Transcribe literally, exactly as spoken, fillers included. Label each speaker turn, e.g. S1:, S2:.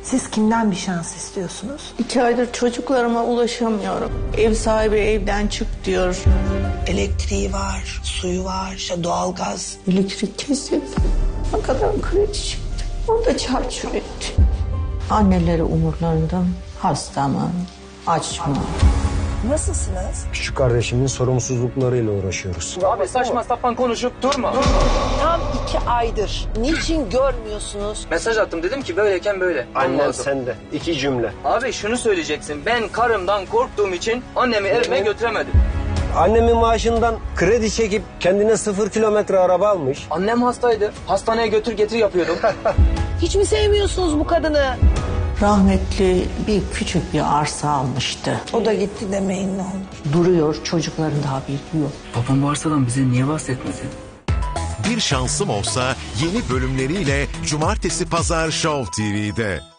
S1: Siz kimden bir şans istiyorsunuz?
S2: İki aydır çocuklarıma ulaşamıyorum. Ev sahibi evden çık diyor.
S3: Elektriği var, suyu var, işte doğalgaz.
S2: Elektrik kesildi. Ne kadar kredi çıktı. O da çarçur etti. Anneleri umurlarında hasta mı, aç mı?
S1: Nasılsınız?
S4: Küçük kardeşimin sorumsuzluklarıyla uğraşıyoruz.
S5: Abi saçma sapan konuşup durma.
S6: Tam iki aydır. Niçin görmüyorsunuz?
S5: Mesaj attım, dedim ki böyleyken böyle.
S4: Annen
S5: Olmazdı.
S4: sende. İki cümle.
S5: Abi şunu söyleyeceksin. Ben karımdan korktuğum için annemi evime götüremedim.
S4: Annemin maaşından kredi çekip kendine sıfır kilometre araba almış.
S5: Annem hastaydı. Hastaneye götür getir yapıyordum.
S6: Hiç mi sevmiyorsunuz bu kadını?
S2: Rahmetli bir küçük bir arsa almıştı.
S3: O da gitti demeyin ne olur.
S2: Duruyor, çocukların da haberi yok.
S5: Babam bu arsadan bize niye bahsetmedi?
S7: Bir Şansım Olsa yeni bölümleriyle Cumartesi Pazar Show T V'de.